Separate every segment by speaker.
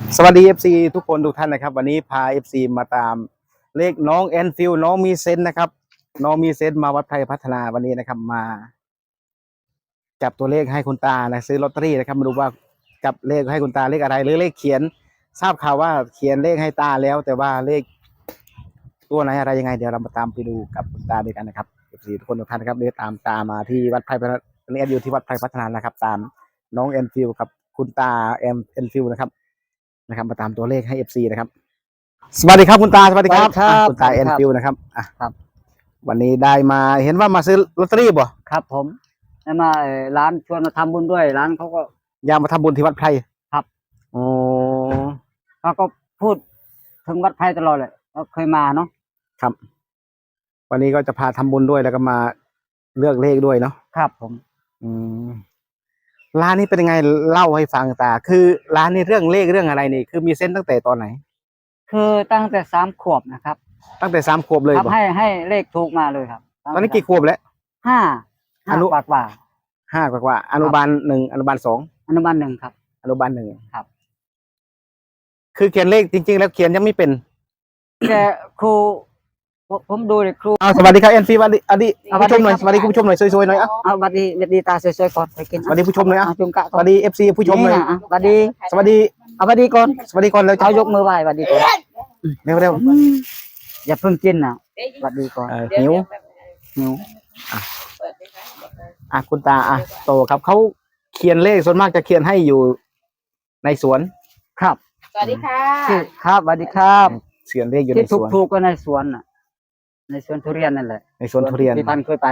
Speaker 1: สวัสดี FC ทุกคนทุกท่านนะครับวันนี้พา FC มาตามเลขน้องแอนฟิลน้องมีเซนนะครับน้องมีเซนมาวัดไพรพัฒนาวันนี้นะครับมาจับตัวเลขให้คุณตานะซื้อลอตเตอรี่นะครับมาดูว่าจับเลขให้คุณตาเลขอะไรหรือเลขเขียนทราบข่าวว่าเขียนเลขให้ตาแล้วแต่ว่าเลขตัวไหนอะไรยังไงเดี๋ยวเรามาตามไปดูกับคุณตาด้วยกันนะครับ FC ทุกคนทุกท่านนะครับเดี๋ยวตามตามาที่วัดไพรพัฒนาวันนี้อยู่ที่วัดไพรพัฒนานะครับตามน้องแอนฟิลกับคุณตาแอนฟิลนะครับมาตามตัวเลขให้ FC นะครับสวัสดีครับคุณตาสวัสดีครับคุณตาแอนฟิลนะครับ
Speaker 2: ครับ
Speaker 1: วันนี้ได้มาเห็นว่ามาซื้อลอตเตอรี่บ่
Speaker 2: ครับผมแล้วมาร้านชวนมาทำบุญด้วยร้านเขาก็
Speaker 1: อยากมาทำบุญที่วัดไพร
Speaker 2: ครับ
Speaker 1: โอ้
Speaker 2: เขาก็พูดถึงวัดไพรตลอดเลยเราเคยมาเนาะ
Speaker 1: ครับวันนี้ก็จะพาทำบุญด้วยแล้วก็มาเลือกเลขด้วยเนาะ
Speaker 2: ครับผม
Speaker 1: อืมร้านนี้เป็นยังไงเล่าให้ฟังตาคือร้านนี้เรื่องเลขเรื่องอะไรนี่คือมีเส้นตั้งแต่ตอนไหน
Speaker 2: คือตั้งแต่3 ขวบนะครับ
Speaker 1: ตั้งแต่3 ขวบเลย
Speaker 2: ครับให้เลขถูกมาเลยครับ
Speaker 1: ตอนนี้กี่ขวบแล้ว
Speaker 2: ห้า
Speaker 1: อนุ
Speaker 2: กว่า
Speaker 1: 5 กว่าอนุบาล1อนุบาล2
Speaker 2: อนุบาล1ครับ
Speaker 1: อนุบาล1
Speaker 2: ครับ
Speaker 1: คือเขียนเลขจริงๆแล้วเขียนยังไม่เป็น
Speaker 2: แต่ครูผมดูเลยครู
Speaker 1: สวัสดีครับเอ็นฟีสวัสดีผู้ชมหน่อยสวัสดีคุณผู้ชมหน่อยสวยๆหน่อย
Speaker 2: สวัสดีตาสวยๆก่อนไปกิน
Speaker 1: สวัสดีผู้ชมหน่อย
Speaker 2: จุ่มกะ
Speaker 1: สวัสดีเอฟซีผู้ชมหน่อย
Speaker 2: สวัสดี
Speaker 1: สวัสดี
Speaker 2: ก่อน
Speaker 1: สวัสดีก่อนเลย
Speaker 2: เอายกมือไหว้สวัสดีก่อน
Speaker 1: เร็ว
Speaker 2: อย่าเพิ่งกินนะสวัสดีก่อน
Speaker 1: หิวคุณตาโตครับเขาเขียนเลขส่วนมากจะเขียนให้อยู่ในสวน
Speaker 2: ครับ
Speaker 3: สวัสดีค่ะ
Speaker 2: ครับสวัสดีครับ
Speaker 1: เขียนเลขอยู่ในสวน
Speaker 2: ที่ถูกก็ในสวนน่ะในสวนทุเรียนนั่นแหละ
Speaker 1: ในสวนทุเรียน
Speaker 2: ที่ท่านเคยไป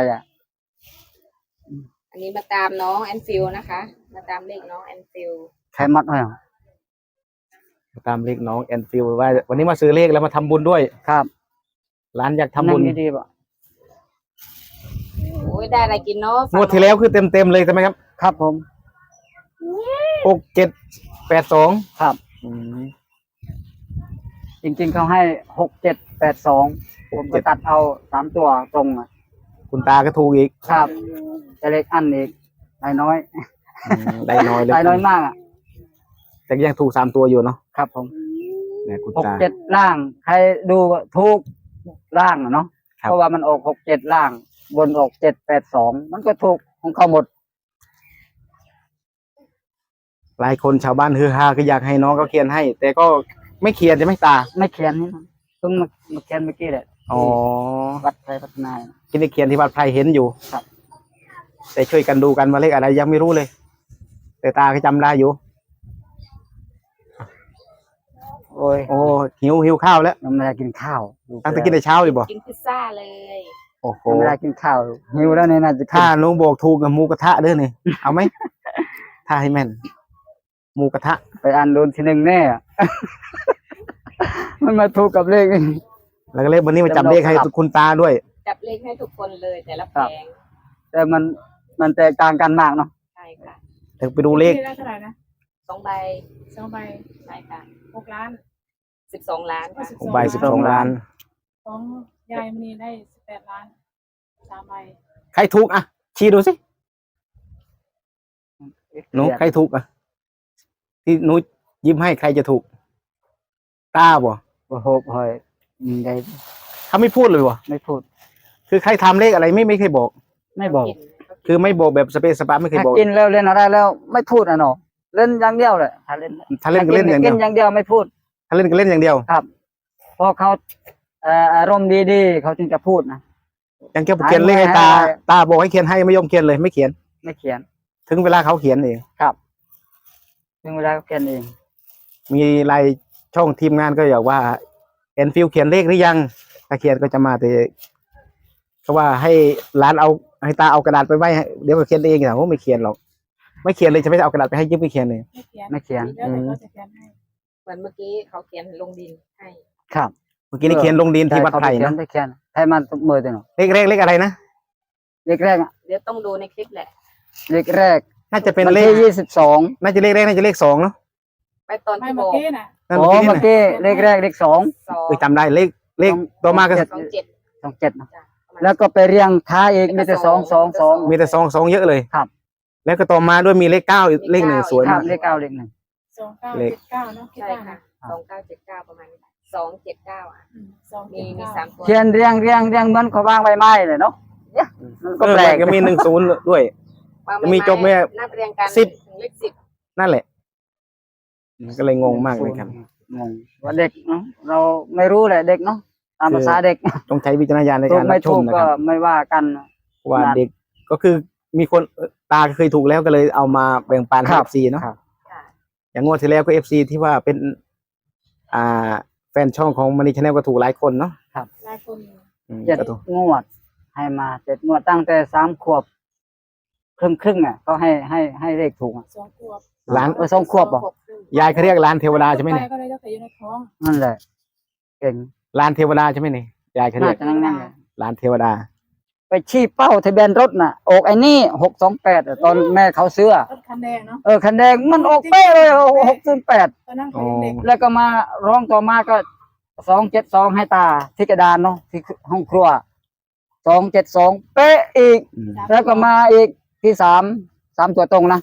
Speaker 3: อันนี้มาตามน้องแอนฟิลนะคะมาตามเลขน้องแอนฟิล
Speaker 2: ใครมัดไว้
Speaker 1: ตามเลขน้องแอนฟิลว่าวันนี้มาซื้อเลขแล้วมาทำบุญด้วย
Speaker 2: ครับ
Speaker 1: ร้านอยากทำบุญ
Speaker 2: ดีๆป่ะ
Speaker 3: โอ้ยได้อะไรกินเนาะ
Speaker 1: งวดที่แล้วคือเต็มเลยใช่ไหมครับ
Speaker 2: ครับผม
Speaker 1: 6782
Speaker 2: ครับจริงๆเขาให้6782ผมก็ตัดเอา3 ตัวตรง
Speaker 1: คุณตาก็ถูกอีก
Speaker 2: ครับแต่เล็กอันอีกได้น้อย
Speaker 1: ได้น้อยเลย
Speaker 2: ได้น้อยมาก
Speaker 1: แต่ยังถูก3 ตัวอยู่เนาะ
Speaker 2: ครับผม
Speaker 1: เนี่ยคุณตา
Speaker 2: 67ล่างใครดูถูกล่างเนาะเพราะว่ามันออก67ล่างบนออก782มันก็ถูกของเขาหมด
Speaker 1: หลายคนชาวบ้านฮือฮาก็อยากให้น้องเขาเขียนให้แต่ก็ไม่เขียนใช่ไหมตา
Speaker 2: ไม่เขียนนี่เพิ่งมาเขียนเมื่อกี้แหละวัดไพรพัฒนา
Speaker 1: ที่ได้เขียนที่วัดไพรเห็นอยู่
Speaker 2: ครับ
Speaker 1: แต่ช่วยกันดูกันว่าเลขอะไรยังไม่รู้เลยแต่ตาก็จำได้อยู่โอ้หิวข้าวแล้ว
Speaker 2: ไม่ได้กินข้าว
Speaker 1: ตั้งแต่กินแต่เช้าเลยบ่
Speaker 3: กินพิซซ่าเลย
Speaker 1: โอ้โห
Speaker 2: ไม่ได้กินข้าวหิวแล้วเนี่ยน่าจะ
Speaker 1: ถ้าน้องบอกถูกกับหมูกระทะเด้อนี่เอาไหมถ้าให้แม่นหมูกระทะ
Speaker 2: ไปอ่านโดนที 1แน่มันมาถูกกับเลข
Speaker 1: แล้วก็เลขวันนี้มาจับเลขให้คุณตาด้วย
Speaker 3: จับเลขให้ทุกคนเลยแต่ละแผง
Speaker 2: แต่มันแตกต่างกันมากเนาะ
Speaker 3: ใช่ค่ะ
Speaker 1: ถึงไปดูเลข
Speaker 3: เท่าไหร่นะ2 ใบใช่ค่ะ6 ล้าน12 ล้าน
Speaker 1: 6 ใบ12 ล้าน
Speaker 4: ของยายมณีได้18 ล้าน3 ใบ
Speaker 1: ใครถูกชี้ดูสิหนูใครถูกที่หนูยิ้มให้ใครจะถูกตาบ่
Speaker 2: โหหอยได้
Speaker 1: เขาไม่พูดเลยบ่
Speaker 2: ไม่พูด
Speaker 1: คือใครทำเลขอะไรไม่เคยบอก
Speaker 2: ไม่บอก
Speaker 1: คือไม่บอกแบบสเปซสปาไม่เคยบอก
Speaker 2: กินแล้วเล่นอะไรแล้วไม่พูดเนาะเล่นอย่างเดียวเลยถ้าเล่น
Speaker 1: ก็เล่นอย่างเดียว
Speaker 2: ไม่พูด
Speaker 1: ถ้าเล่นก็เล่นอย่างเดียว
Speaker 2: ครับพอเขาอารมณ์ดีๆเขาจึงจะพูดนะ
Speaker 1: ยังเขียนเลขให้ตาบอกให้เขียนให้ไม่ยอมเขียนเลยไม่เขียนถึงเวลาเขาเขียนเอง
Speaker 2: ครับถึงเวลาเขาเขียนเอง
Speaker 1: มีรายช่องทีมงานก็อยากว่าแอนฟิลเขียนเลขหรือยังถ้าเขียนก็จะมาแต่เขาว่าให้ร้านเอาให้ตาเอากระดาษไปไว้เดี๋ยวก็เขียนเองแต่ผมไม่เขียนหรอกไม่เขียนเลยจะไม่เอากระดาษไปให้ยืมไม่เขียนเลย
Speaker 2: ไม่เขียน
Speaker 3: เหมือนเมื่อกี้เขาเขียนลงดินให้
Speaker 2: ครับ
Speaker 1: เมื่อกี้นี่เขียนลงดินที่วัดไผ่นะ
Speaker 2: เขียนให้มันมือตัวหนู
Speaker 1: เลขอะไรนะ
Speaker 2: เลขแรก
Speaker 3: เดี๋ยวต้องดูในคลิปแหละ
Speaker 2: เลขแรก
Speaker 1: น่าจะเป็นเลข22น่าจะเลขแรกน่าจะเลข2เนาะ
Speaker 3: ไปตอนที่
Speaker 4: เมื่อกี้นะ
Speaker 2: เมื่อกี้เลขแรกเลข2
Speaker 1: จำได้เลขต่อมาก็
Speaker 2: 27นะแล้วก็ไปเรียงท้ายอีกมีแต่2
Speaker 1: มีแต่2เยอะเลย
Speaker 2: ครับ
Speaker 1: แล้วก็ต่อมาด้วยมีเลข9อีกเลข1สวยมาก
Speaker 2: เลข9เลข1
Speaker 4: 2979เนาะคิด
Speaker 3: ใช่
Speaker 4: ได้
Speaker 3: ค่ะ
Speaker 4: นะ
Speaker 3: 2979ประมาณนี้279อ่ะ มี
Speaker 4: 279
Speaker 3: 3 ตัว
Speaker 2: เขียนเรียงเหมือนเขาวางใบไม้เลยเนาะเนี่ยมันก็แปลก
Speaker 1: ก็มี10ด้วย
Speaker 3: วาง
Speaker 1: จะมีจบไหม
Speaker 3: นับเรียงกัน
Speaker 1: 10
Speaker 3: ถึงเลข10
Speaker 1: นั่นแหละก็เลยงงมากเลยครับ
Speaker 2: งงว่าเด็กเนาะเราไม่รู้แหละเด็กเนาะตามภาษาเด็ก
Speaker 1: ต้องใช้วิจารณญาณใน
Speaker 2: ถู
Speaker 1: กาก รรั
Speaker 2: ไม่
Speaker 1: บช
Speaker 2: ถู
Speaker 1: ม
Speaker 2: ก
Speaker 1: นะ
Speaker 2: ก็
Speaker 1: ครับ
Speaker 2: ไม่ว่ากัน
Speaker 1: ว่าเด็กก็คือมีคนตาเคยถูกแล้วก็เลยเอามาแบ่งปันให้
Speaker 2: ครั
Speaker 1: เอบ ฟซีเนาะ
Speaker 2: ครับ
Speaker 3: ค่ะ
Speaker 1: อย่างงวดที่แล้วก็เอฟซีที่ว่าเป็น อ่า แฟนช่องของมันนี่ชาแนลก็ถูกหลายคนเนาะ
Speaker 4: หลายคน
Speaker 2: 7
Speaker 1: ก็ถูก
Speaker 2: งวด ให้มา7 งวดตั้งแต่3 ขวบครึ่งอ่ะก็ให้เลขถูกอะ
Speaker 4: 2 ขวบ
Speaker 1: ร้าน
Speaker 2: 2 ขวบบ่
Speaker 1: ยายเขาเรียกร้านเทวดาใช่ไหมเนี่ย
Speaker 4: ก็เลยจะอยู่ในท้อง
Speaker 2: นั่นแหละเก่ง
Speaker 1: ร้านเทวดาใช่ไหมเนี่ยยายเขา
Speaker 2: น่า
Speaker 1: เรียก
Speaker 2: จะนั่งๆเลย
Speaker 1: ร้านเทวดา
Speaker 2: ไปชี้เป้าทะเบียนรถน่ะออกไอ้นี่628อะตอนแม่เขาซื้ออะ
Speaker 4: รถคันแดงเนาะ
Speaker 2: คันแดงมันออกเป๊ะเลย608
Speaker 4: ตอนนั้นเขายังเด็ก
Speaker 2: แล้วก็มาร้องต่อมาก็272ให้ตาที่กระดานเนาะที่ห้องครัว272เป๊ะอีก แล้วก็มาอีกที่3ตัวตรงนะ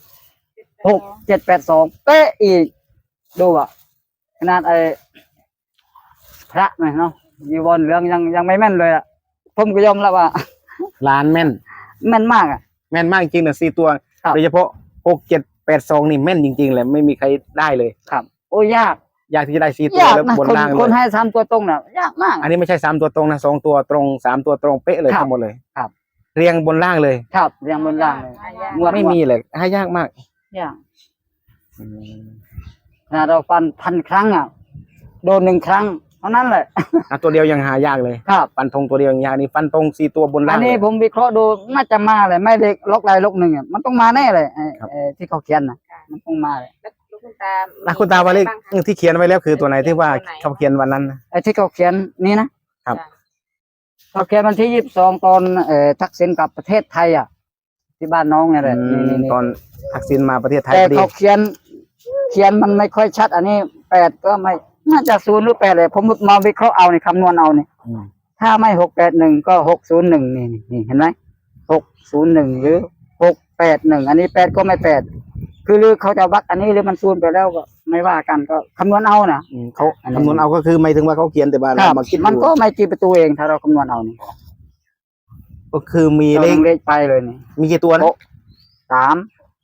Speaker 2: 6782เป๊ะอีกดูอ่ะขนาดไอ้พระไหมเนาะยีวรเหลืองยังไม่แม่นเลยอ่ะผมก็ยอมรับว่า
Speaker 1: ร้านแม่น
Speaker 2: แม่นมากอ่ะ
Speaker 1: แม่นมากจริงนะ4 ตัว
Speaker 2: ครับ
Speaker 1: โดยเฉพาะ6782นี่แม่นจริงๆเลยไม่มีใครได้เลย
Speaker 2: ครับ โอ้ยาก
Speaker 1: อยากที่จะได้4 ตัวย
Speaker 2: าก
Speaker 1: แล้ว
Speaker 2: นะ
Speaker 1: บน
Speaker 2: คน
Speaker 1: ล่าง
Speaker 2: คน
Speaker 1: เลย
Speaker 2: ให้3ตัวตรงน่ะยากมาก
Speaker 1: อันนี้ไม่ใช่3 ตัวตรงนะ2 ตัวตรง3 ตัวตรงเป๊ะเลย
Speaker 2: ครับ
Speaker 1: ทั้งหมดเลย
Speaker 2: ครับ
Speaker 1: เรียงบนล่างเลย
Speaker 2: ครับเรียงบนล่างเลย งวด
Speaker 1: ไม่มีเลยให้ยากมาก
Speaker 2: ยากนะเราฟัน1,000 ครั้งอ่ะโดน1 ครั้งเท่านั้นแหละ
Speaker 1: ตัวเดียวยังหายากเลย
Speaker 2: ครับ
Speaker 1: ฟันธงตัวเดียวยังยากนี่ฟันธง4 ตัวบน
Speaker 2: อั
Speaker 1: ล่าน ง
Speaker 2: นี้
Speaker 1: เลย
Speaker 2: ผมวิเคราะห์ดูน่าจะมาเลยไม่ได้ล็อกใดล็อกหนึ่งอ่ะมันต้องมาแน่เลย
Speaker 1: ครับ
Speaker 2: ที่เขาเขียนนะมันต้องมาเลย
Speaker 3: แล้วลูกคุณตา
Speaker 1: นะคุณตาว่าเลข
Speaker 3: บ้งคะ
Speaker 1: ที่เขียนไว้แล้วคือตัวไหนที่ว่า
Speaker 3: ตัวไหน
Speaker 1: เขาเขียนวันนั้นนะ
Speaker 2: ไอ้ที่เขาเขียนนี่นะครับ เขาเขียนวันที่22ตอนทักษิณกลับประเทศไทยอ่ะ ที่บ้านน้องเนี่ยแหละนี่
Speaker 1: ตอนทักษิณมาประเทศไทย
Speaker 2: แต่
Speaker 1: พอดี
Speaker 2: เขาเขียนมันไม่ค่อยชัด อันนี้8ก็ไม่น่าจะ0หรือ8เลยผมมาวิเคราะห์เอานี่คำนวณเอานี่
Speaker 1: อืม
Speaker 2: ถ้าไม่681ก็601นี่เห็นไหม601หรือ681อันนี้8ก็ไม่8คือหรือเขาจะวัดอันนี้หรือมัน0ไปแล้วก็ไม่ว่ากันก็คำนวณเอานะ
Speaker 1: เขา
Speaker 2: อันนี้
Speaker 1: คำนวณเอาก็คือไม่ถึงว่าเขาเขียนแต่ว่า
Speaker 2: ค
Speaker 1: เรา
Speaker 2: รับ
Speaker 1: มาคิด
Speaker 2: มัน
Speaker 1: ดู
Speaker 2: ก็ไม่กี่ประตูเองถ้าเราคำนวณเอานี่
Speaker 1: ก็คือมี
Speaker 2: เรา
Speaker 1: เลข
Speaker 2: ลงเลขไปเลยนี่
Speaker 1: มีกี่ตัวนะ
Speaker 2: โต๊ะ 3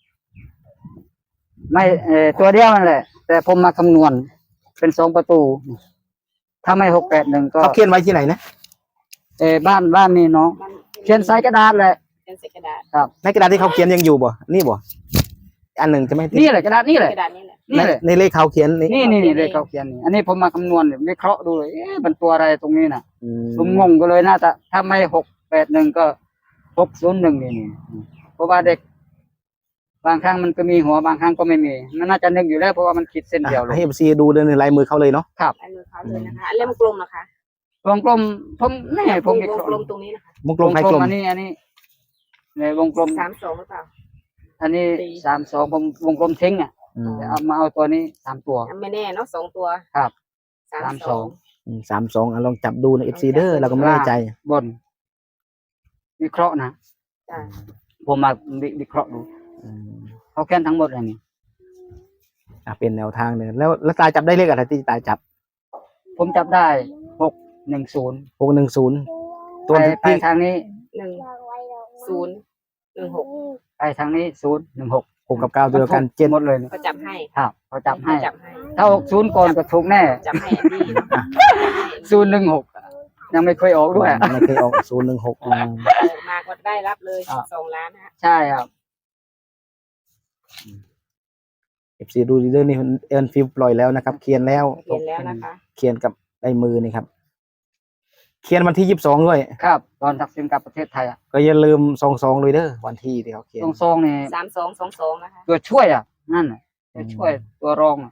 Speaker 2: ไม่ตัวเดียวนั่นแหละ แต่ผมมาคำนวณเป็น2 ประตู ถ้าไม่681ก็
Speaker 1: เขาเขียนไว้ที่ไหนนะ
Speaker 2: บ้านนี่เนาะ
Speaker 3: มัน
Speaker 2: เขียนใส่กระดาษเลย
Speaker 3: เขียนใส่กระดาษ
Speaker 2: ครับ
Speaker 1: ในกระดาษที่เขาเขียนยังอยู่บ่นี่บ่อันหนึ่งใช่ไหมที่
Speaker 2: นี่แหละกระดาษนี่แหละ
Speaker 3: กระดาษนี่แหละ
Speaker 2: นี่แหละ
Speaker 1: ในเลขเขาเขียนนี่
Speaker 2: นี่เลขเขาเขียนนี่อันนี้ผมมาคำนวณวิเคราะห์ดูเลยมันตัวอะไรตรงนี้น่ะ
Speaker 1: อืม
Speaker 2: ผมงงก็เลยน่าจะถ้าไม่681ก็601นี่เพราะว่าเด็ก บางครั้งมันก็มีหัวบางครั้งก็ไม่มีมันน่าจะนึกอยู่แล้วเพราะว่ามันคิดเส้นเดียวเล
Speaker 1: ให้
Speaker 2: ย
Speaker 1: เอฟซีดูในลายมือเขาเลยเนาะ
Speaker 3: ลายมือเขาเลยนะคะเล่มกลมนะคะ
Speaker 2: วงกลมผมแน่ผมวิ
Speaker 3: ว
Speaker 2: เค
Speaker 3: ง
Speaker 2: ราะห์
Speaker 3: กลมตรงนี้นะคะ
Speaker 1: วงกลมใครกลม
Speaker 2: อันนี้ในวงกลม
Speaker 3: 32หรือเปล่า
Speaker 2: อันนี้
Speaker 3: สี่
Speaker 2: 32ผมวงกลมทิ้งอ่ะ
Speaker 1: อืม
Speaker 2: เอามาเอาตัวนี้3 ตัว
Speaker 3: ไม่แน่เนาะ2 ตัว
Speaker 2: ครับ
Speaker 3: 32
Speaker 1: 32ลองจับดูในเอฟซีเดอร์เราก็ไม่แน่ใจ
Speaker 2: บน วิเคราะห์นะ
Speaker 3: จ้ะ
Speaker 2: ผมมาวิเคราะห์ดู
Speaker 1: อืม
Speaker 2: เขาแค่นทั้งหมดเลยนี่
Speaker 1: เป็นแนวทางหนึ่งแล้วตาจับได้เลขอะไรที่ตาจับ
Speaker 2: ผมจับได้610
Speaker 1: 610ตัว
Speaker 2: ไป
Speaker 1: ที่
Speaker 2: ทางนี้
Speaker 3: 1016
Speaker 2: ไปทางนี้016
Speaker 1: 6กับ9ตัวเดียวกัน
Speaker 2: เจ็ดหมดเลยนี่
Speaker 3: ก็จับให้
Speaker 2: ครับเขาจับให้
Speaker 3: จับให้
Speaker 2: ถ้า60ก่อนก็ถูกแน่
Speaker 3: จับให้แอนดี้เนาะ
Speaker 2: 016ยังไม่เคยออกด้วย
Speaker 1: ไม่เคยออก016อืม
Speaker 3: มาก็ได้รับเลย2 ล้านนะฮะ
Speaker 2: ใช่ครับ
Speaker 1: FC ดูดีเดอร์นี่เอิร์นฟิลปล่อยแล้วนะครับ เขียนแล้ว
Speaker 3: เขียนแล้วนะคะ
Speaker 1: เขียนกับลายมือนี่ครับ เขียนวันที่22ด้วย
Speaker 2: ครับ ตอนทักษิณกลับประเทศไทยอ่ะ
Speaker 1: ก็อย่าลืม22เลยเด้อวันที่ที่เขาเขียน
Speaker 2: ตรงซองนี่
Speaker 3: 3222นะคะ
Speaker 2: ตัวช่วยอ่ะนั่นน่ะตัวช่วยตัวรองอะ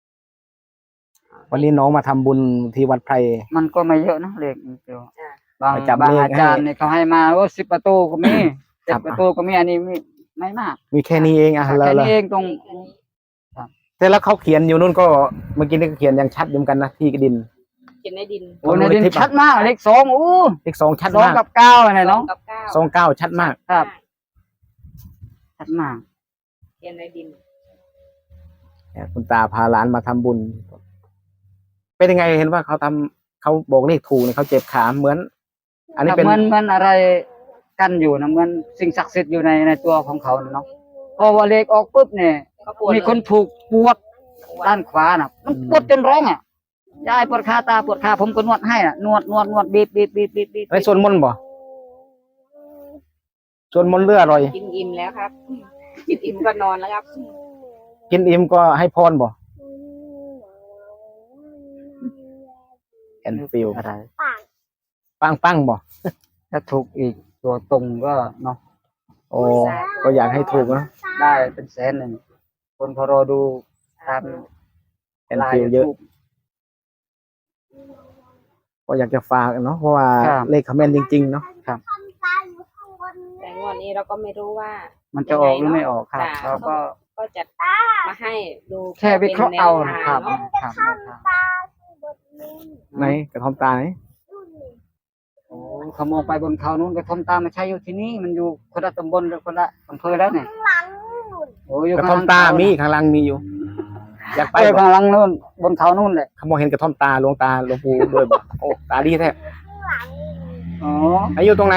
Speaker 1: วันนี้น้องมาทำบุญที่วัดไพร
Speaker 2: มันก็ไม่เยอะนะเลขนิดเดียว
Speaker 3: จ้ะ
Speaker 2: บาง
Speaker 1: ไปจับบ
Speaker 2: าง
Speaker 1: เลข
Speaker 2: อาจารย์
Speaker 1: ให้
Speaker 2: เนี่ยเขาให้มา10 ประตูก็มี
Speaker 1: ครั
Speaker 2: 7
Speaker 1: บ
Speaker 2: ประตูก็มีอันนี้ไม่มาก
Speaker 1: มีแค่นี้เองอ่ะ
Speaker 2: แค่
Speaker 1: แล้ว
Speaker 2: นี้เองตรง
Speaker 1: แต่แล้วเขาเขียนอยู่นู่นก็เมื่อกี้นี่ก็เขียนยังชัดอยู่เหมือนกันนะที่กระดิน
Speaker 3: เขียนในดิน
Speaker 2: โอ้ในดินชัดมากเลข2อู้
Speaker 1: เลข2ชัด
Speaker 2: 2
Speaker 1: มาก
Speaker 2: กับ9อะไรเนาะ
Speaker 3: 2กับ9
Speaker 1: 29ชัดมาก
Speaker 2: ครับ ชัดมาก
Speaker 3: เขียนในดิน
Speaker 1: คุณตาพาหลานมาทำบุญ เป็นยังไงเห็นว่าเขาบอกเลขถูกเนี่ยเขาเจ็บขาเหมือน อันนี้เป็น
Speaker 2: มันอะไรกันอยู่นะเหมันสิ่งศักดิ์สิทธิ์อยู่ในตัวของเขาน่ะเนาะพอว่าเลขออกปุ๊บเนี่ย
Speaker 3: ก็ปวด
Speaker 2: มีคนถูกปวดด้านขวาน่ะ มันปวดจนร้องอ่ะยายปวดขาตาปวดขาผมก็นวดให้อ่ะนวดบีบ
Speaker 1: ไอ้ส่วนมนต์บ่ส่วนมนต์เลืออร่อย
Speaker 3: กินอิ่มแล้วครับ กินอิ่มก็นอนแล้วครับ
Speaker 1: กินอิ่มก็ให้พรบ่แอนฟิล
Speaker 2: อะไร
Speaker 1: ปังบ่
Speaker 2: ถ้าถูกอีกตัวตรงก็เนาะ
Speaker 1: โอ้ก็อยากให้ถูกนะ
Speaker 2: ได้เป็นแสนหนึ่งคนเขารอดูตาม
Speaker 1: แอนฟิลเยอะ ก็อยากจะฝากเนาะเพราะว่าเลขคอมเมนต์จริงๆเนาะ
Speaker 3: แต่งวดนี้เราก็ไม่รู้ว่า
Speaker 2: มันจะออกหรือไม่ออกครับ
Speaker 3: จ้ะ
Speaker 2: เราก็
Speaker 3: ก็จะมาให้ดู
Speaker 2: แค่วิเคราะห์เอา
Speaker 3: ป็น
Speaker 2: นะ
Speaker 3: แนว
Speaker 2: ครั
Speaker 3: ทา
Speaker 2: บ
Speaker 3: งเนาะ
Speaker 2: ครับ
Speaker 1: ไหนกระทอมตาไหน
Speaker 2: โอ้เขามองไปบนเขานู้นกระท่อมตาไม่ใช่อยู่ที่นี่มันอยู่คนละตำบลหรือคนละอำเภอแล้วเนี่ยโอ้อยู่
Speaker 1: กระทอมตามีข้างล่างมีอยู่ อยากไป
Speaker 2: ไป
Speaker 1: บ่
Speaker 2: ข้างหลังนู้นบนเขานู้นแหละ
Speaker 1: เขามองเห็นกระท่อมตาหลวงตาหลวงปู่ด้วยบ่โอ้ตาดีแท้
Speaker 2: อ๋อ
Speaker 1: ไหนอยู่ตรงไหน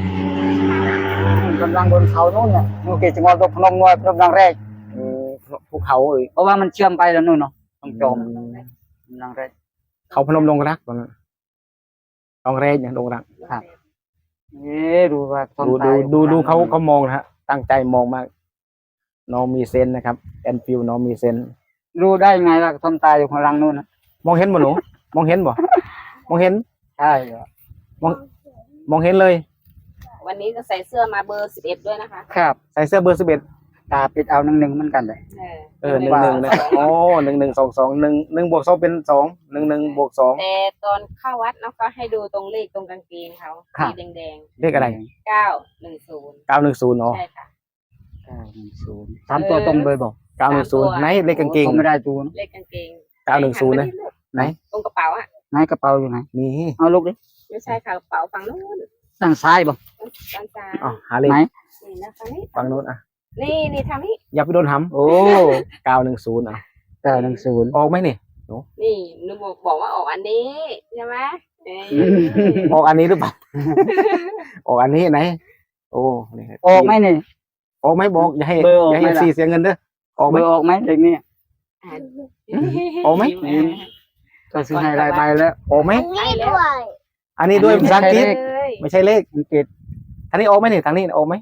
Speaker 2: กำลังบนเขานู้นเนี่ยนู่นเกจิงอตกพนมงวยพนมรังแรก
Speaker 1: ภูเขาเอ้ย
Speaker 2: เพราะว่ามันเชื่อมไปแล้วนู่นเนาะต้องจมรังแรก
Speaker 1: เขาพนมลงรักตอนนั้นลองแรกอย่างลงรัก
Speaker 2: ครับดูว่าต้น
Speaker 1: ดู
Speaker 2: ตา
Speaker 1: ดู
Speaker 2: อยู่
Speaker 1: ดู
Speaker 2: ข้งหลัง
Speaker 1: เขามองนะฮะ ตั้งใจมองมาก น้องมีเซนส์นะครับแอนฟิลน้องมีเซนส์
Speaker 2: รู้ได้ไงล่ะต้นตาอยู่ข้างหลังนู่นนะ
Speaker 1: มองเห็นบ่หนูมองเห็นบ่มองเห็น
Speaker 2: ใช่เหรอ
Speaker 1: มองเห็นเลย
Speaker 3: วันนี้ก็ใส่เสื้อมาเบอร์11ด้วยนะคะ
Speaker 2: ครับ
Speaker 1: ใส่เสื้อเบอร์11
Speaker 2: ตาปิดเอาหนึ่งเหมือนกันเลย
Speaker 1: 11นะครับโอ้11 22 1 บวก 2เป็น2 11 บวก 2
Speaker 3: แต่ตอนเข้าวัดเนาะก็ให้ดูตรงเลขตรงกางเกงเขาสีแดง
Speaker 1: เลขอะไร
Speaker 3: ๆ910
Speaker 1: 910เนาะ
Speaker 3: ใช่ค่ะ
Speaker 2: 910สามตัวตรงเลยบอก
Speaker 1: 910ไหนเลขกางเกง
Speaker 2: ผมไม่ได้ดูนะ
Speaker 3: เลขกางเกง
Speaker 1: 910นะไหน
Speaker 3: ตรงกระเป๋าอ่ะ
Speaker 2: ไหนกระเป๋าอยู่ไหน
Speaker 1: นี่
Speaker 2: เอาลูกดิ
Speaker 3: ไม่ใช่ค่ะกระเป๋าฝั่งนู้น
Speaker 2: ด้านซ้ายบอก
Speaker 3: ด้านซ้าย
Speaker 1: อ๋อหาเลข
Speaker 2: ไหน
Speaker 3: นี่นะฝั่งนี้
Speaker 1: ฝั่งโน้นอ่ะ
Speaker 3: นี่ทางนี้
Speaker 1: อย่าไปโดนหำ
Speaker 2: โอ้
Speaker 1: 910อ่ะ
Speaker 2: 910
Speaker 1: ออกไหมนี่
Speaker 3: นี่หนูบอกว่าออกอันนี้ใช่ไหมนี่
Speaker 1: ออกอันนี้หรือเปล่า ออกอันนี้ไหน โอ้นี่
Speaker 2: ออกไหมนี่
Speaker 1: ออกไหมบอกอย่าให้
Speaker 2: เบอร์ออก
Speaker 1: อย่าให้
Speaker 2: ไหมล่ะ
Speaker 1: ซีเสียเงินเด้อออกไหม
Speaker 2: เบอร์ออกไหมเด็กนี่
Speaker 1: ออกไหม
Speaker 2: ก็ซื้อให้รายใบแล้ว
Speaker 1: ออกไหม
Speaker 3: ให้แล้ว
Speaker 1: อันนี้ด้วยภาษาอังกฤษ
Speaker 3: เลย
Speaker 1: ไม่ใช่เลข
Speaker 2: อังกฤษ
Speaker 1: อันนี้ออกไหมนี่ทางนี้ออกไหม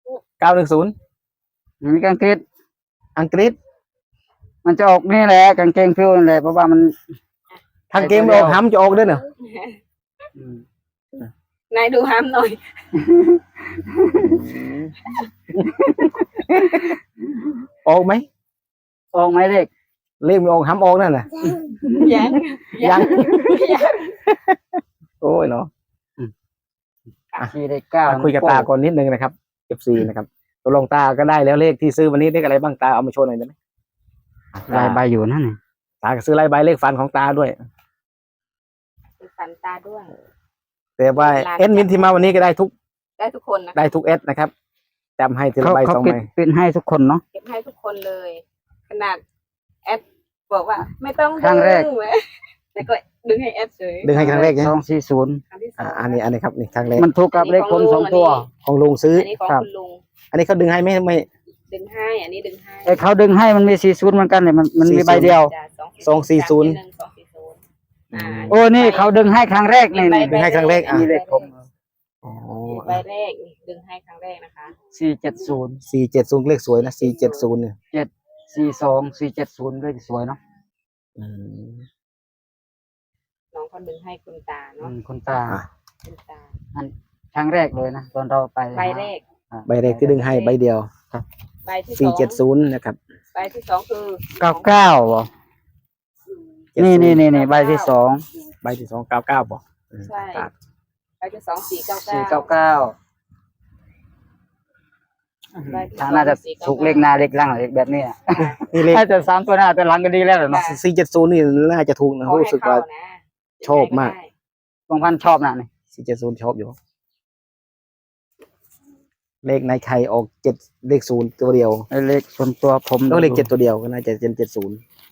Speaker 1: 910
Speaker 2: มีกางเกง
Speaker 1: อังกฤษ
Speaker 2: มันจะออกนี่แหละกางเกงฟิวนั่นแหละเพราะว่ามัน
Speaker 1: ทางเกมออกห้ำจะออกด้วยเนอะ
Speaker 3: นายดูห้ามหน่อย
Speaker 1: ออกไหม
Speaker 2: ออกไหมเลข
Speaker 1: เลขไม่ออกห้ำออกนั่นน่ะ
Speaker 3: ยัง
Speaker 1: ยัง โอ้ยเนาะ
Speaker 2: ที่เลขเก้า
Speaker 1: มาคุยกับตาก่อนนิดนึงนะครับ FC นะครับตกลงตาก็ได้แล้วเลขที่ซื้อวันนี้เลขอะไรบ้างตาเอามาโชว์หน่อยได้ไหม
Speaker 2: รายใบอยู่นั่นนี่
Speaker 1: ตาก็ซื้อลายใบเลขฟันของตาด้วย
Speaker 3: ฝันตาด้วย
Speaker 1: แต่ว่าเอดมินที่มาวันนี้ก็ได้ทุก
Speaker 3: ได้ทุกคนนะ
Speaker 1: ได้ทุกเอสนะครับจำให้ทีละใบ
Speaker 2: เขา
Speaker 1: สอง
Speaker 2: ปิด
Speaker 1: ใบ
Speaker 2: ปิดให้ทุกคนเนาะ
Speaker 3: เก็บให้ทุกคนเลย ขนาดแอดบอกว่า ไม่ต้อง
Speaker 2: ครั้งแรก
Speaker 3: ดึเว้ยแต่ก็ดึงให้แอดเฉย
Speaker 1: ดึงให้ครั้งแรกเนี่ย
Speaker 2: 240
Speaker 3: ครั้งที่สอ
Speaker 1: อันนี้ครับนี่ครั้งแรก
Speaker 2: มันถูกกับเลขคนสองตัว
Speaker 1: ของลุงซื้อ
Speaker 3: อันนี้ของ
Speaker 2: ครับ
Speaker 3: คุณลุง
Speaker 1: อันนี้เขาดึงให้ไม่
Speaker 3: ดึงให้ อันนี้ดึงให้
Speaker 2: ไอ้เขาดึงให้มันมี40เหมือนกันเลยมันมี
Speaker 1: 40
Speaker 2: ใบเดียว
Speaker 3: จ้ะ
Speaker 1: 240
Speaker 3: 240อ่า
Speaker 2: โอ้นี่เขาดึงให้ครั้งแรกนี่
Speaker 3: มี
Speaker 2: นี่
Speaker 3: ใบ
Speaker 1: ดึงให้ครั้งแรกอ่ะ
Speaker 2: มีเลขผม
Speaker 1: อ๋อ
Speaker 3: ใบแรกนี่ดึงให้ครั้งแรกนะคะ
Speaker 2: 470
Speaker 1: 470เลขสวยนะ470เนี่ย
Speaker 2: 42 470เลขสวยเนาะ
Speaker 1: อืม
Speaker 3: น้องเขาดึงให้คุณตาเนาะ
Speaker 2: คุณตา
Speaker 1: อ่ะ
Speaker 3: คุณตา
Speaker 2: ครั้งแรกเลยนะตอนเราไป
Speaker 3: ใบแรก
Speaker 2: อ่ะ
Speaker 1: ใบแรกที่ดึงให้ใบเดียว
Speaker 3: ใบที่สอง
Speaker 1: 470นะครับ
Speaker 3: ใบที่สองคือ
Speaker 2: 99เหรอนี่ใบที่สอง
Speaker 1: ใบที่2 99ป่ะ
Speaker 3: ใช่ใบที่สอง499
Speaker 2: 499
Speaker 3: ใบที่ส
Speaker 2: ทา
Speaker 3: อง
Speaker 2: น่าจะ
Speaker 3: 499
Speaker 2: ถูกเลขหน้าเลขหล่างเลขแบบนี้อะ
Speaker 1: นี่เลข
Speaker 2: ถ้าจะ3ตัวหน้าตัวหลังก็ดีแล้วเหรอเนาะ
Speaker 1: 470นี่น่าจะถูกนะ
Speaker 3: ขอให้
Speaker 1: รู้สึกว่า
Speaker 3: เข้นะ
Speaker 1: ชอบมาก
Speaker 3: ได้
Speaker 2: บางพันชอบนะนี่
Speaker 1: 470ชอบอยู่ เลขในไข่ออก7เลข0ตัวเดียว
Speaker 2: ไอ้เลขส่วนตัวผม
Speaker 1: แล้วเลข7ตัวเดียวก็น่าจะเป็น70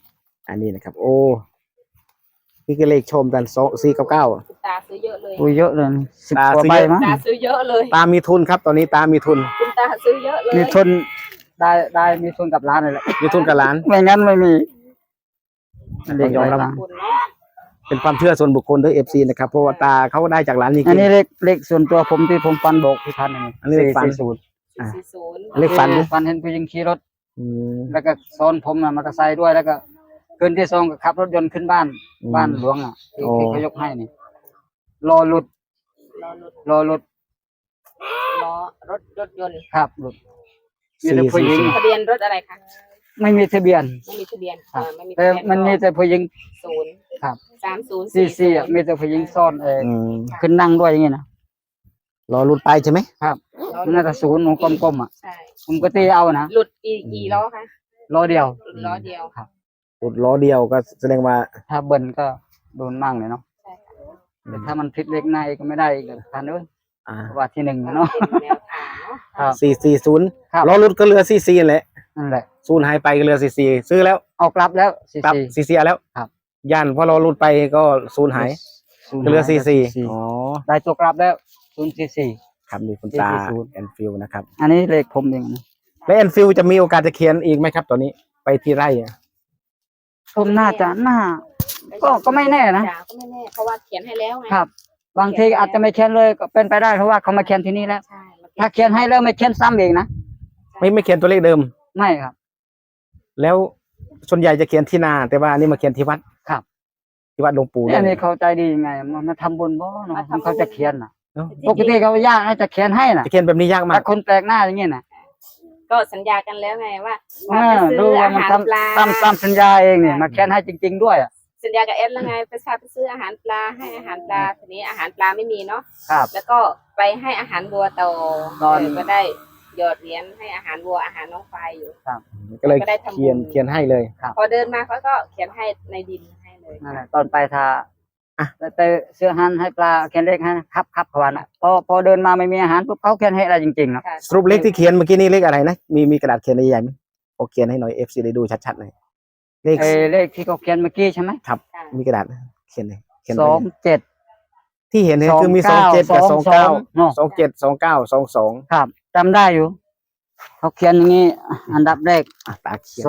Speaker 1: อันนี้นะครับ โอ้นี่ก็เลขชมกัน2499
Speaker 3: คุณตาซื้อเยอะเลย
Speaker 2: อุ้ยเยอะเลย10
Speaker 1: ตาก
Speaker 2: ว่า
Speaker 1: ซื้อ
Speaker 2: ใบ
Speaker 1: เยอะ
Speaker 2: มั้ง
Speaker 3: ตาซื้อเยอะเลย
Speaker 1: ตามีทุนครับ ตอนนี้ตามีทุน
Speaker 3: คุณตาซื้อเยอะเลย
Speaker 2: มีทุนได้มีทุนกับร้านเลยแหละ
Speaker 1: มีทุนกับร้าน
Speaker 2: ไม่งั้นไม่มีมันเด็ก
Speaker 1: ยอมรับ
Speaker 2: ร้าน
Speaker 3: คุณเนาะ
Speaker 1: เป็นความเชื่อส่วนบุคคลด้วย FC นะครับ เพราะว่าตาเขาได้จากร้านจริง
Speaker 2: อันนี้เลขส่วนตัวผมที่ผมฟันโบกพี่พันธุ์
Speaker 1: อันนี้เลขฟัน
Speaker 2: 440
Speaker 1: อ่ะ
Speaker 3: 440
Speaker 1: เลขฟันดิ
Speaker 2: ฟันเห็นผู้หญิงขี่รถ
Speaker 1: ๆอืม
Speaker 2: แล้วก็ซ้อนผมน่ะมอเตอร์ไซค์ด้วยแล้วก็คืนที่สองก็ขับรถยนต์ขึ้นบ้าน
Speaker 1: อืม
Speaker 2: บ้านหลวงอ่ะที่
Speaker 1: โอ้
Speaker 2: ที่เขายกให้นี่รอหลุด
Speaker 3: รอรถ
Speaker 2: รอหลุด
Speaker 3: ล้อรถยนต์
Speaker 2: ครับหลุดมีแต่ผู้หญิง
Speaker 3: ทะเบียนรถอะไรคะ
Speaker 2: ไม่มีทะเบียน
Speaker 3: ไม่มีทะเบียน
Speaker 2: ครับ
Speaker 3: ไม่มี
Speaker 2: แต่
Speaker 3: ทะเบียน
Speaker 2: มันมีแต่ผู้หญิง
Speaker 3: ศูนย์
Speaker 2: ครับ
Speaker 3: 3040
Speaker 2: ซีอ่ะมีแต่ผู้หญิงซ่อน
Speaker 1: อืม
Speaker 2: ขึ้นนั่งด้วยอย่างงี้นะ
Speaker 1: รอรุ่นไปใช่ไหม
Speaker 2: ครับน่าจะศูนย์ของกลมๆอ่ะ
Speaker 3: ใช่
Speaker 2: ผมก็ตีเอานะ
Speaker 3: หลุดกี่ล้อคะ
Speaker 2: ล้อเดียว
Speaker 3: หลุดล้อเดียว
Speaker 2: ครับ
Speaker 1: รุ่นล้อเดียวก็แสดงว่า
Speaker 2: ถ้าเบิ้ลก็โดนมั่งเลยเนาะ
Speaker 3: ใช่ค่ะ
Speaker 2: แต่ถ้ามันพลิกเล็กในก็ไม่ได้อีกพันเอ้ย
Speaker 1: อ่า
Speaker 2: ว่าที่หนึ่งเนาะ
Speaker 3: เป็นแนวทางเนาะ
Speaker 2: ครับ
Speaker 1: 440
Speaker 2: ครับ
Speaker 1: ล้อรุ่นก็เหลือ44แหละ
Speaker 2: นั่นแหละ
Speaker 1: ศูนย์หายไปก็เหลือ44ซื้อแล้ว
Speaker 2: เอากลับแล้วซี
Speaker 1: กลับ
Speaker 2: ซี
Speaker 1: 44แล้ว
Speaker 2: ครับ
Speaker 1: ย่านพอล้อรุ่นไปก็ศูนย์หายก็เหลือ44อ๋อ
Speaker 2: ได้ตัวกลับแล้ว044
Speaker 1: ครับนี่คุณตา
Speaker 2: 440
Speaker 1: แอนฟิลนะครับ
Speaker 2: อันนี้เลขผมเองนะ
Speaker 1: และแอนฟิลจะมีโอกาสจะเขียนอีกไหมครับตอนนี้ไปที่ไร่อะ
Speaker 2: ผมน่าก็ไม่แน่นะ
Speaker 3: จ๋าก็ไม่แน่เพราะว่าเขียนให้แล้วไง
Speaker 2: ครับ บางทีอาจจะไม่เขียนเลยก็เป็นไปได้เพราะว่าเขามาเขียนที่นี่แล้ว
Speaker 3: ใช่มา
Speaker 2: ถ้าเขียนให้แล้วไม่เขียนซ้ำเองนะ
Speaker 1: ไม่เขียนตัวเลขเดิม
Speaker 2: ไม่ครับ
Speaker 1: แล้วส่วนใหญ่จะเขียนที่นา แต่ว่าอันนี้มาเขียนที่วัด
Speaker 2: ครับ
Speaker 1: ที่วัดหลวงปู่
Speaker 2: เนี่ย
Speaker 1: ด้
Speaker 2: อั
Speaker 1: วน ย
Speaker 2: นี้เขาใจดียังไงมาทำบุญบ่เนาะเขาจะเขียนน่ะ
Speaker 1: เนอะ
Speaker 2: ปกติเขายากให้จะเขียนให้น่ะ
Speaker 1: จะเขียนแบบนี้ยากมา
Speaker 2: แต่
Speaker 1: ก
Speaker 2: คนแปลกหน้าอย่างเงี้ยน่ะ
Speaker 3: ก็สัญญากันแล้วไงว่า
Speaker 2: อ่า
Speaker 3: ไป
Speaker 2: ดู
Speaker 3: ซื้อ
Speaker 2: ว่า
Speaker 3: อา
Speaker 2: มัน
Speaker 3: หาร
Speaker 2: ทำ
Speaker 3: ปลา
Speaker 2: ตามสัญญาเองเนี่ยมาเขียนให้จริง ๆ ด้วยอ่ะ
Speaker 3: สัญญากับเอสแล้วไงไปซื้ออาหารปลาให้อาหารปลาทีนี้อาหารปลาไม่มีเนาะ
Speaker 2: ครับ
Speaker 3: แล้วก็ไปให้อาหารวัวต่อ
Speaker 2: ตอน
Speaker 3: ก็ได้หยอดเหรียญให้อาหารวัวอาหารน้องควายอยู่
Speaker 1: ก็เลย
Speaker 3: ก็ได้ทำบุญ
Speaker 1: เขียนให้เลย
Speaker 3: พอเดินมาเขาก็เขียนให้ในดินให้เลย
Speaker 2: นั่นแหละตอนไปทา
Speaker 1: อ่ะ
Speaker 2: แต่เสื้อหันให้ปลาเขียนเลขให้ครับเขาว่านะพอเดินมาไม่มีอาหารปุ๊บเขาเขียนให้อะไรจริงๆนะ
Speaker 3: ค่ะ
Speaker 1: สรุปเลขที่เขียนเมื่อกี้นี่เลขอะไรนะมีกระดาษเขียนใหญ่ๆไหมโอเขียนให้หน่อย FC ได้ดูชัดๆเลยเลข
Speaker 2: เลขที่เขาเขียนเมื่อกี้ใช่ไหม
Speaker 1: ครับ
Speaker 3: ค่ะ
Speaker 1: มีกระดาษเขียนเลยเขียน
Speaker 2: ส
Speaker 1: ไป
Speaker 2: อง
Speaker 1: เลย
Speaker 2: เจ็ด
Speaker 1: ที่เห็นเนี่ยคือมี
Speaker 2: 29
Speaker 1: 27กับ
Speaker 2: 22
Speaker 1: 29
Speaker 2: เนอะ
Speaker 1: 27 29 22
Speaker 2: ครับจำได้อยู่เขาเขียนอย่างนี้อันดับแรก
Speaker 1: อ่ะตาเขียน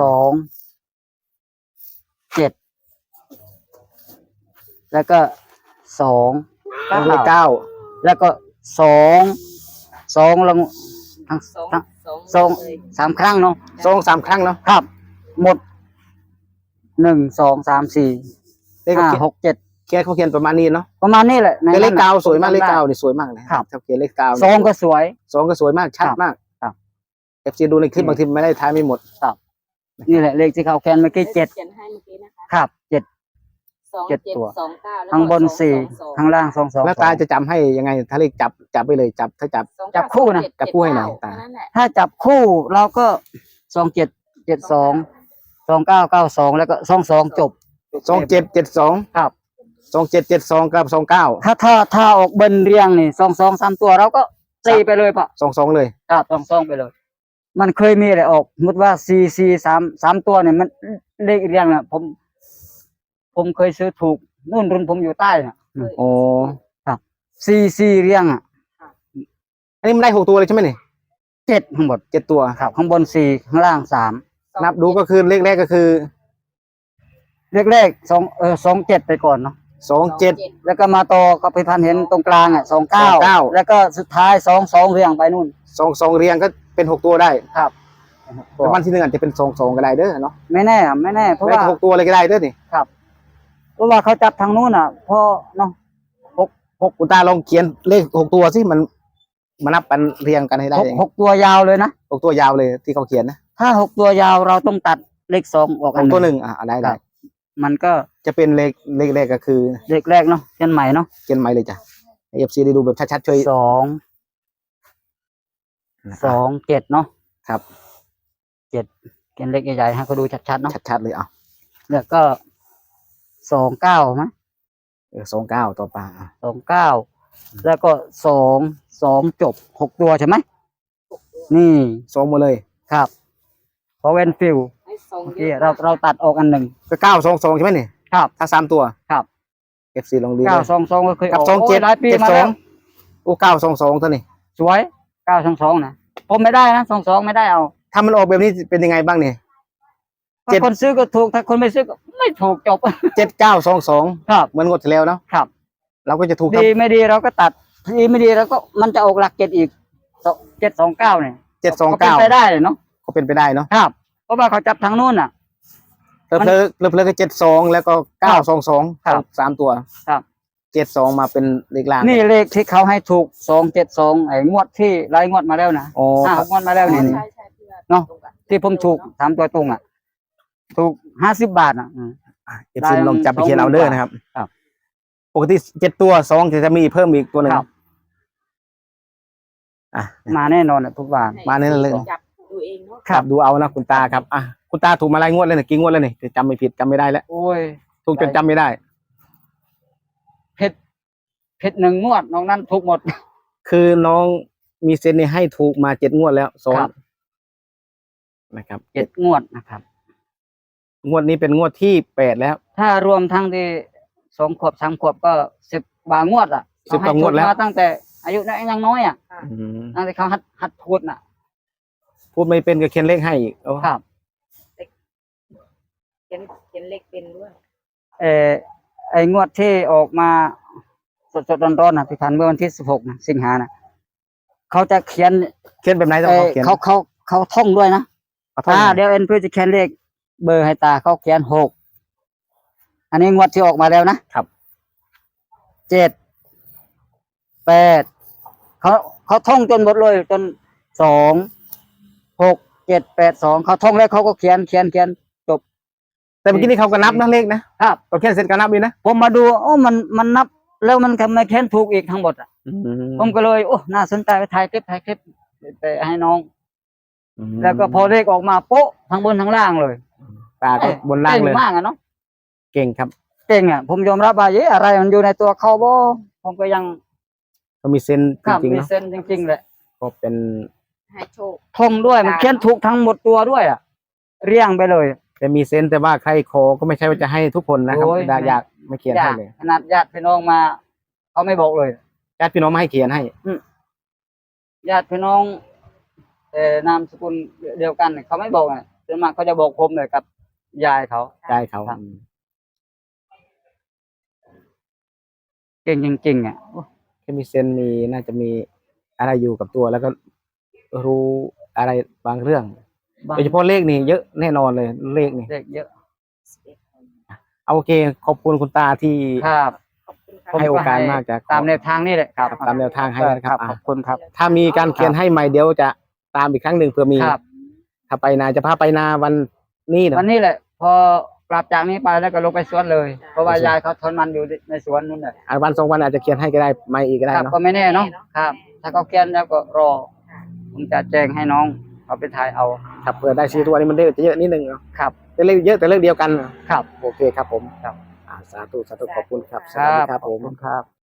Speaker 2: 2 7แล้วก็2
Speaker 1: เลข9
Speaker 2: แล้วก็2ลงทั้ง
Speaker 3: สอง
Speaker 2: ทั้ง
Speaker 3: สอง
Speaker 2: 2
Speaker 3: เลย
Speaker 2: 3 ครั้งเนาะ
Speaker 1: 2-3 ครั้งเนาะ
Speaker 2: ครับ หมด1 2 3 4
Speaker 1: เลขเขา
Speaker 2: 5 6 7
Speaker 1: เขียนเขาเขียนประมาณนี้เนาะ
Speaker 2: ประมาณนี้แหละใน
Speaker 1: แต่เลข
Speaker 2: นั้นน่ะ
Speaker 1: เก้าสวยมากเลข
Speaker 2: จำได้
Speaker 1: เก้านี่สวยมากนะครับ ถ้าเขียนเลขเก้า
Speaker 2: สองก็สวย
Speaker 1: สองก็สวยมากชัด
Speaker 2: ครับ
Speaker 1: มาก
Speaker 2: ครับ
Speaker 1: FC ดูในคลิปบางทีไม่ได้ท้ายไม่หมด
Speaker 2: นี่แหละเลขที่เขาแคนเมื่อกี้7
Speaker 3: เขียนให้เมื่อกี้นะคะ
Speaker 2: ครับ7
Speaker 3: 2
Speaker 2: เจ็ด
Speaker 3: 7
Speaker 2: ตัว
Speaker 3: 2 9แล้วก็
Speaker 2: ข้างบน
Speaker 3: 2
Speaker 2: 4ข้างล่าง2 2
Speaker 1: แล้วตาจะจำให้ยังไง ถ้าเลขจับไปเลยจับ
Speaker 2: จับคู่นะ
Speaker 1: จับคู่ให้หน่อยตา
Speaker 3: นั่นแหละ
Speaker 2: ถ้าจับคู่เราก็27 72 29 92แล้วก็22จบ
Speaker 1: 2772
Speaker 2: ครับ
Speaker 1: 2772กับ29
Speaker 2: ถ้าออกเบิ้ลเรียงนี่22 3ตัวเราก็ตีไปเลยปะ
Speaker 1: 22เลย
Speaker 2: ครับ22ไปเลย มันเคยมีอะไรออกสมมติว่า3ตัวเนี่ยมันเลขเรียงน่ะผมเคยซื้อถูกนู่นรุ่นผมอยู่ใต้น่ะ
Speaker 1: โอ้
Speaker 2: 4เรียงอ่ะ
Speaker 1: อันนี้มันได้6ตัวเลยใช่ไหมนี่
Speaker 2: 7ทั้งหมด
Speaker 1: 7ตัว
Speaker 2: ครับข้างบน4ข้างล่าง3
Speaker 1: นับดูก็คือเลขแรกก็คือ
Speaker 2: เลข27ไปก่อนเนาะ
Speaker 1: 27
Speaker 2: แล้วก็มาต่อก็ไปพันเห็นตรงกลางอ่ะ29แล้วก็สุดท้าย22เรียงไปนู่น
Speaker 1: 22เรียงก็เป็น6ตัวได้
Speaker 2: ครับ
Speaker 1: แต่วันที่หนึ่งอาจจะเป็น22ก็ได้เด้อเนาะ
Speaker 2: ไม่แน่เพราะ
Speaker 1: ไม่
Speaker 2: ว่า
Speaker 1: ได้6ตัวเลยก็ได้เด้อนี่
Speaker 2: เพราะว่าเขาจับทางนู้นอ่ะพอเนาะ
Speaker 1: คุณตาลองเขียนเลข6ตัวสิมันมานับกันเรียงกันให้ได้ยังไง
Speaker 2: 6 ตัวยาวเลยนะ
Speaker 1: 6ตัวยาวเลยที่เขาเขียนนะ
Speaker 2: ถ้า6 ตัวยาวเราต้องตัดเลข2ออกอัน
Speaker 1: 6ตัว
Speaker 2: ห
Speaker 1: ห
Speaker 2: นึ่ง
Speaker 1: นึ่งได้
Speaker 2: มันก็
Speaker 1: จะเป็นเลขแรกก็คือ
Speaker 2: เลขแรกเนาะเขียนใหม่เนาะ
Speaker 1: เขียนใหม่เลยจ้ะ FC ได้ดูแบบชัดๆช่วย
Speaker 2: 7เนาะ
Speaker 1: ครับ
Speaker 2: 7เขียนเลขใหญ่ๆให้เขาดูชัดๆเนาะ
Speaker 1: ชัดๆเลยอ่ะ
Speaker 2: แล้วก็29มั้ย
Speaker 1: 29ต่อไปอ่ะ
Speaker 2: 29แล้วก็2จบ6 ตัวใช่ไหมนี่
Speaker 1: 2หมดเลย
Speaker 2: ครับเพราะเวนฟิล
Speaker 3: ให้สองเย
Speaker 2: ที่
Speaker 3: อะ
Speaker 2: เราตัดออกอันหนึ่ง
Speaker 1: ก็922ใช่ไหมนี่
Speaker 2: ครับ
Speaker 1: ถ้า3 ตัว
Speaker 2: ครับ
Speaker 1: FC ลองดู
Speaker 2: 922ก็เคย
Speaker 1: กับ
Speaker 2: ออกโอ้ยหลายปีมาแล้ว
Speaker 1: 2772โอ้922ตัวนี้
Speaker 2: สวย922นะผมไม่ได้นะ22ไม่ได้เอา
Speaker 1: ถ้ามันออกแบบนี้เป็นยังไงบ้างเนี่ย
Speaker 2: ถ้าคนซื้อก็ถูกถ้าคนไม่ซื้อก็ไม่ถูกจบ
Speaker 1: 7922
Speaker 2: ครับ
Speaker 1: เหมือนงวดที่แล้วเนาะ
Speaker 2: ครับ
Speaker 1: เราก็จะถูกครับ
Speaker 2: ดีไม่ดีเราก็ตัดดีไม่ดีเราก็มันจะออกหลักเจ็ดอีก729เนี่ยก็เป็นไป
Speaker 1: 729
Speaker 2: ได้เลยเนาะ
Speaker 1: ก็เป็นไปได้เนาะ
Speaker 2: ครับ เพราะว่าเขาจับทางนู้นอ่ะ
Speaker 1: เพลิก็72แล้วก็922
Speaker 2: ครับ
Speaker 1: 3 ตัว
Speaker 2: ครับ
Speaker 1: 72มาเป็นเลขล่าง
Speaker 2: นี่เลขที่เขาให้ถูก272ไอ้งวดที่รายงวดมาแล้วนะ
Speaker 1: โอ้
Speaker 2: 5 งวดมาแล้วนี่
Speaker 3: ใช่ใช่เพื่อน
Speaker 2: เนาะ
Speaker 3: ตรงกัน
Speaker 2: ที่ผมถูก3 ตัวตรงอ่ะ ถูก50 บาทอ่ะ
Speaker 1: FC ลองจับไปเขียนเอาเด้อนะครับ
Speaker 2: ครับ
Speaker 1: ปกติ7 ตัว2จะมีเพิ่มอีกตัวหนึง
Speaker 2: ครับ
Speaker 1: อ่ะ
Speaker 2: มาแน่นอนอะทุกบาท
Speaker 1: มาเนี่ยเลย
Speaker 3: จับดูเองเนาะ
Speaker 2: ครับ
Speaker 1: ดูเอานะคุณตาครับอ่ะคุณตาถูกมาหลายงวดแล้วเนี่ยกี่งวดแล้วเนี่ยจำไม่ผิดจำไม่ได้แล้ว
Speaker 2: โอ้ย
Speaker 1: ถูกจนจำไม่ได้
Speaker 2: เพชร1 งวดน้องนั้นถูกหมด
Speaker 1: คือน้องมีเซนนี่ให้ถูกมา7 งวดแล้วซ้อน
Speaker 2: ครับ
Speaker 1: นะครับ
Speaker 2: 7 งวดนะครับ
Speaker 1: งวดนี้เป็นงวดที่8แล้ว
Speaker 2: ถ้ารวมทั้งที่2 ขวบ 3 ขวบก็10 กว่างวดอ่ะ
Speaker 1: 10 กว่างวดแล้ว
Speaker 2: เขให้ถูกมาตั้งแต่อายุยังน้อยอ่ะ
Speaker 1: อืม
Speaker 2: ตั้งแต่เขาหัดพูดน่ะ
Speaker 1: พูดไม่เป็นก็เขียนเลขให้อีกโอ้
Speaker 2: ครับ
Speaker 3: เขียนเลขเป็นด้วย
Speaker 2: ไอ้งวดที่ออกมาสดๆร้อนๆนะพี่พันธุ์เมื่อวันที่16นะสิงหานะเขาจะเขียน
Speaker 1: เขียนแบบไหนต้องเขียน
Speaker 2: เขาท่องด้วยนะ
Speaker 1: เอาท่อง
Speaker 2: เดี๋ยวเอ็นเพื่อจะเขียนเลขเบอร์ให้ตาเขาเขียน6อันนี้งวดที่ออกมาแล้วนะครับ 7 8เขาท่องจนหมดเลยจน2 6 7 8 2เขาท่องแล้วเขาก็เขียนจบ
Speaker 1: แต่เมื่อกี้นี่เขาก็นับนะเลขนะครับ ก็เขียนเสร็จก็นับดีนะ
Speaker 2: ผมมาดูโอ้มันนับแล้วมันทำไมเขียนถูกอีกทั้งหมดอ่ะ ผมก็เลยโอ้น่าสนใจไปถ่ายคลิปไปให้น้อง แล้วก็พอเลขออกมาโป๊ะทั้งบนทั้งล่างเลย
Speaker 1: ตาก็บนล่างเลย
Speaker 2: ก่มากอะเนาะ
Speaker 1: เก่งครับ
Speaker 2: เก่งอ่ะผมยอมรับว่าเยอะไรมันอยู่ในตัวเขาบ่ผมก็ยัง
Speaker 1: เขามีเซนจ
Speaker 2: ครับ
Speaker 1: ริงๆ
Speaker 2: มี
Speaker 1: เนาะ
Speaker 2: เส้นจริงๆแหละ
Speaker 1: ก็เป็น
Speaker 3: ให้โชค
Speaker 2: ท่องด้วยมันเขียนถูกทั้งหมดตัวด้วยอ่ะเรียงไปเลย
Speaker 1: แต่มีเซนแต่ว่าใครขอก็ไม่ใช่ว่าจะให้ทุกคนนะครับ
Speaker 2: โอ้ย
Speaker 1: อยากไม่เขียนให้เลย
Speaker 2: ขนาดญาติพี่น้องมาเขาไม่บอกเลย
Speaker 1: ญาติพี่น้องมาให้เขียนให้
Speaker 2: ญาติพี่น้องนามสกุลเดียวกันเนี่ยเขาไม่บอกอ่ะส่วนมากเขาจะบอกผมเลยกับยายเขา
Speaker 1: ใจเขา
Speaker 2: ครับ เก่งจริงๆอ่ะ
Speaker 1: แค่มีเซนมีน่าจะมีอะไรอยู่กับตัวแล้วก็รู้อะไรบางเรื่อง
Speaker 2: บาง
Speaker 1: โดยเฉพาะเลขนี่เยอะแน่นอนเลยเลขนี่
Speaker 2: เด็กเยอะ
Speaker 1: เอาโอเคขอบคุณคุณตาที่
Speaker 2: ครับ
Speaker 3: ขอบคุณ
Speaker 2: ผม
Speaker 3: ค่ะ
Speaker 1: ให้โอกาสมากจาก
Speaker 2: ตามแนวทางนี่แหละครับ
Speaker 1: ตามแนวทางให้นะครับ
Speaker 2: ขอบคุณครับ
Speaker 1: ถ้ามีการเขียนให้ใหม่เดี๋ยวจะตามอีกครั้งหนึ่งเผื่อมี
Speaker 2: ครับ
Speaker 1: ถ้าไปนาจะพาไปนาวันนี้เนาะ
Speaker 2: วันนี้แหละ พอกลับจากนี้ไปแล้วก็ลงไปสวนเลย เพราะว่ายายเขาทนมันอยู่ในสวนนู่นแหละ
Speaker 1: วัน2 วันอาจจะเขียนให้ก็ได้ไม่อีกก็ได้
Speaker 2: ครับ
Speaker 1: เนาะ
Speaker 2: ก็ไม่แน่เนาะครับ ถ้าเขาเขียนแล้วก็รอ ผมจะแจ้งให้น้องเอาไปถ่ายเอา
Speaker 1: ครับเผื่อได้ซื้อตัวนี้มันเลขจะเยอะนิดนึงเนาะ
Speaker 2: ครับ
Speaker 1: แต่เลขเยอะแต่เลขเดียวกัน
Speaker 2: ครับ
Speaker 1: โอเคครับผม
Speaker 2: ครับ
Speaker 1: สาธุขอบคุณครับสวัสดีครับ
Speaker 2: ข
Speaker 1: ผ
Speaker 2: อบ
Speaker 1: ม
Speaker 2: คุณครับ